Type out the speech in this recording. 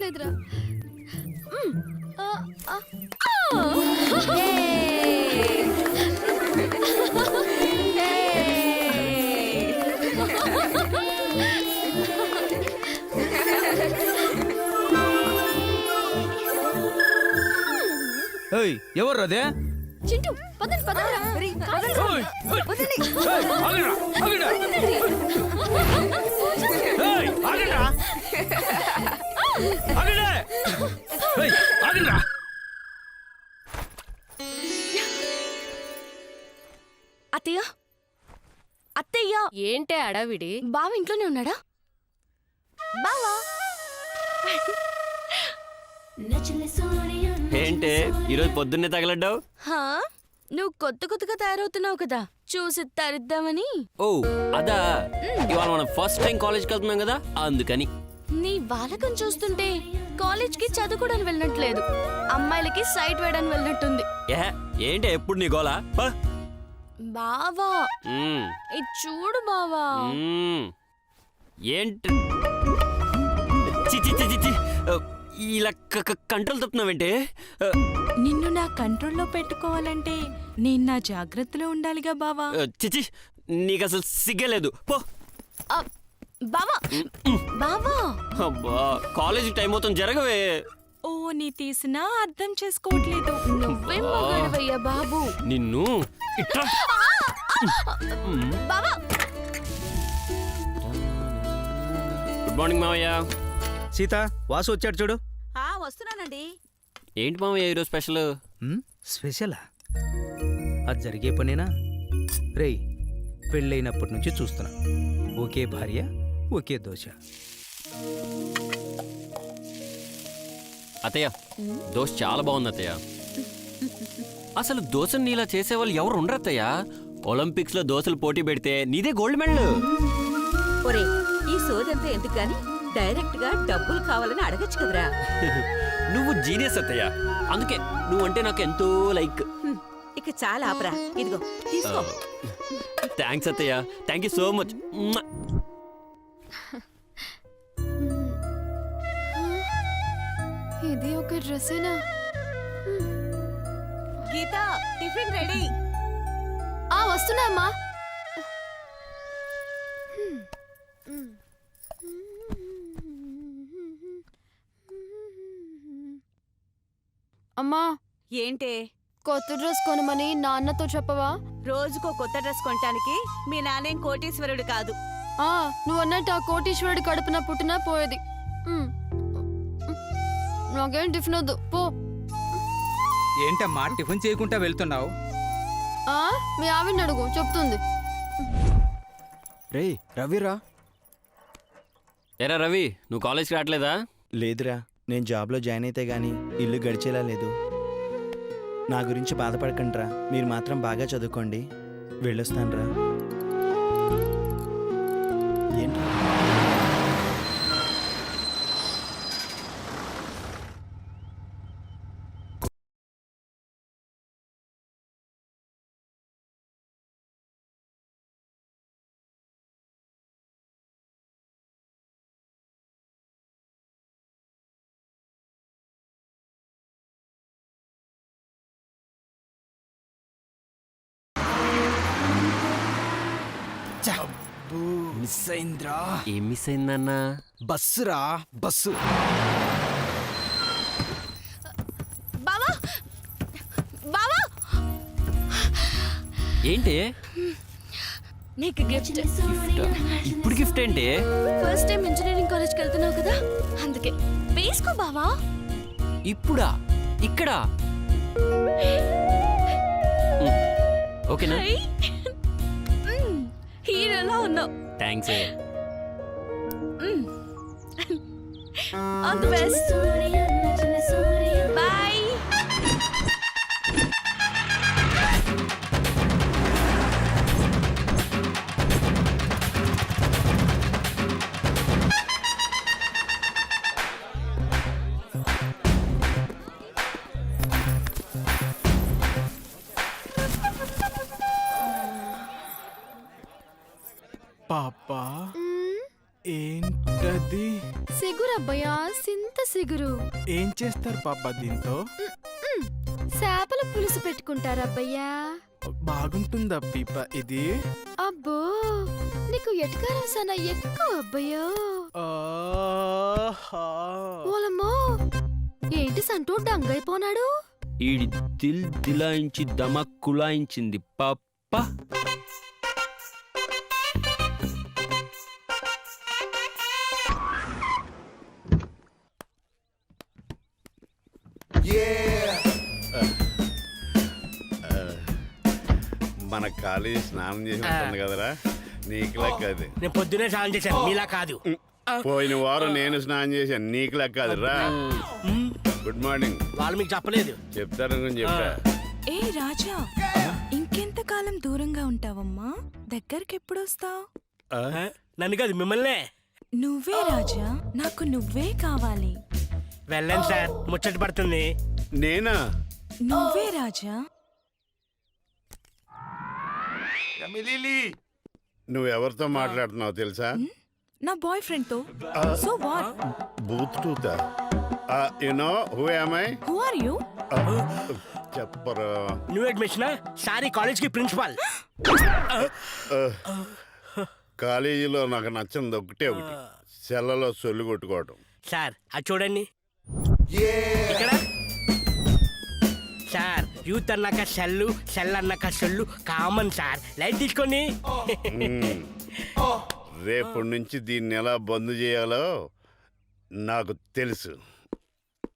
లేదురా. ఎవరు అదే? చింటూ పదండి అత్తయ్య అత్తయ్య ఏంటే అడవిడి? బావ ఇంట్లోనే ఉన్నాడా? బావా ఏంటే ఈరోజు పొద్దున్నే తగలడ్డావు? నువ్వు కొత్తగా తయారవుతున్నావు కదా, చూసి తరిద్దామని. ఓ అదా, ఇవాళ మనం ఫస్ట్ టైం కాలేజ్కి వెళ్తున్నాం కదా అందుకని. నీ బాలకం చూస్తుంటే కాలేజ్కి చదువుకోవడానికి వెళ్ళినట్లేదు, అమ్మాయిలకి సైట్ వేయడానికి వెళ్ళినట్టుంది. ఏంటి ఎప్పుడు నీ గోలా? బావా ఇది చూడు బావా. ఏంటి ఇలా కంట్రోల్ తప్పుతున్నావేంటే? నిన్ను నా కంట్రోల్లో పెట్టుకోవాలంటే నేను నా జాగ్రత్తలో ఉండాలిగా బావా. చిచి నీకు అసలు సిగ్గలేదు పో. బావా బావా అబ్బా కాలేజీ టైం అవుతుంది, జరగవే. ఓ నీ తీసినా అర్థం చేసుకోవట్లేదు. నువ్వేం మగాడివయ్యా బాబు. నిన్ను ఇట్లా బావా. గుడ్ మార్నింగ్ మావయ్య. సీత, వాసు వచ్చాడు చూడు. వస్తున్నానండి. ఏంటి మావయ్య ఈరోజు స్పెషల్? స్పెషలా? అది జరిగే పనేనా? రేయ్, పెళ్ళైనప్పటి నుంచి చూస్తున్నా, ఒకే భార్య ఒకే దోశ. అత్తయ్య దోశ చాలా బాగుంది అత్తయ్య. అసలు దోశను నీలా చేసేవాళ్ళు ఎవరు ఉండరు అత్తయ్య. ఒలింపిక్స్ లో దోశలు పోటీ పెడితే నీదే గోల్డ్ మెడల్. ఒరే ఈ సోదంతా ఎందుకు గాని డైరెక్ట్ గా డబ్బులు కావాలని అడగచ్చు కదరా. నువ్వు జీనియస్ అత్తయ్య, అందుకే నువ్వంటే నాకు ఎంతో లైక్. ఇక చాలా ఆపరా, ఇదిగో తీసుకో. థ్యాంక్స్ అత్తయ్య, థ్యాంక్ యూ సో మచ్. ఇది ఒక డ్రెస్సేనా? గీత టిఫిన్ రెడీ. వస్తున్నా అమ్మా. అమ్మా ఏంటే? కొత్త డ్రెస్ కొనమని నాన్నతో చెప్పవా? రోజుకో కొత్త డ్రెస్ కొనటానికి మీ నాన్నేం కోటీశ్వరుడు కాదు. నువ్వు అన్నట్టు ఆ కోటీశ్వరుడి కడుపున పుట్టినా పోయేది. నాకేం టిఫిన్ వద్దు పో. ఏంటమ్మా టిఫిన్ చేయకుండా వెళ్తున్నావు? మీ ఆవిడని అడుగు, చెప్తుంది. రే రవిరా. ఏరా రవి, నువ్వు కాలేజ్కి రావట్లేదా? లేదురా, నేను జాబ్లో జాయిన్ అయితే గానీ ఇల్లు గడిచేలా లేదు. నా గురించి బాధపడకండిరా, మీరు మాత్రం బాగా చదువుకోండి. వెళ్ళొస్తానురా. ఏంటి మిస్ అయిందిరా. ఏం మిస్ అయిందన్నా? బస్సురా, బస్సు. బావా బావా, ఏంటి నీకు గిఫ్ట్. ఇప్పుడు గిఫ్ట్ ఏంటి? ఫస్ట్ టైం ఇంజనీరింగ్ కాలేజ్కి వెళ్తున్నావు కదా, అందుకే వేసుకో బావా. ఇప్పుడా? ఇక్కడ? ఓకేనా? హీరోలా ఉన్నావు. Thanks. All the best. Bye. పాపా ఏంటది? సిగురు అబ్బయ్యా, సింత సిగురు. ఏం చేస్తారు పాప దీంతో? చేపల పులుసు పెట్టుకుంటారు అబ్బయ్యా. బాగుంటుందా పీప ఇది? అబ్బో, నీకు ఎటకారం సన ఎక్కువ అబ్బయ్యో. ఆహా. ఓలమ్మో, ఏంటి సంటూ డంగైపోనాడు? ఈడి దిల్ దిలాయించి దమక్ కులాయించింది పప్ప. మన కాలేజీ స్నానం చేసి ఉంటుంది కదరా, నీకు లెక్క అది. నేను పొద్దునే స్నానం చేశాను, మీలా కాదు. పోయిన వారం నేను స్నానం చేశాను, నీకు లెక్క అది రా. Good morning. వాళ్ళు మీకు చెప్పలేదు. చెప్తారని చెప్తా. ఏ రాజా, ఇంకెంతకాలం దూరంగా ఉంటావమ్మా? దగ్గరికి ఎప్పుడొస్తావు? నన్ను కాదు, మిమ్మల్నే. నువ్వే రాజా, నాకు నువ్వే కావాలి. వెళ్ళండి సార్, ముచ్చట పడుతుంది. నేనా? నువ్వే రాజా. నువ్వెవరితో మాట్లాడుతున్నావు తెలుసా? నా బాయ్ ఫ్రెండ్ తో. So what? బూత్ టూతా. You know who am I? Who are you? చెప్పరా. న్యూ అడ్మిషన్ సారీ, కాలేజ్ కి ప్రిన్సిపాల్. కాలేజీలో నాకు నచ్చింది ఒకటే ఒకటి, సెల్లలో సొల్లు కొట్టుకోవటం. సార్ అది చూడండి ఇక్కడ. సార్ యూత్ అన్నాక సెల్లు, సెల్ అన్నాక సొల్లు కామన్ సార్. లైట్ తీసుకోండి. రేపటి నుంచి దీన్ని ఎలా బంద్ చేయాలో నాకు తెలుసు.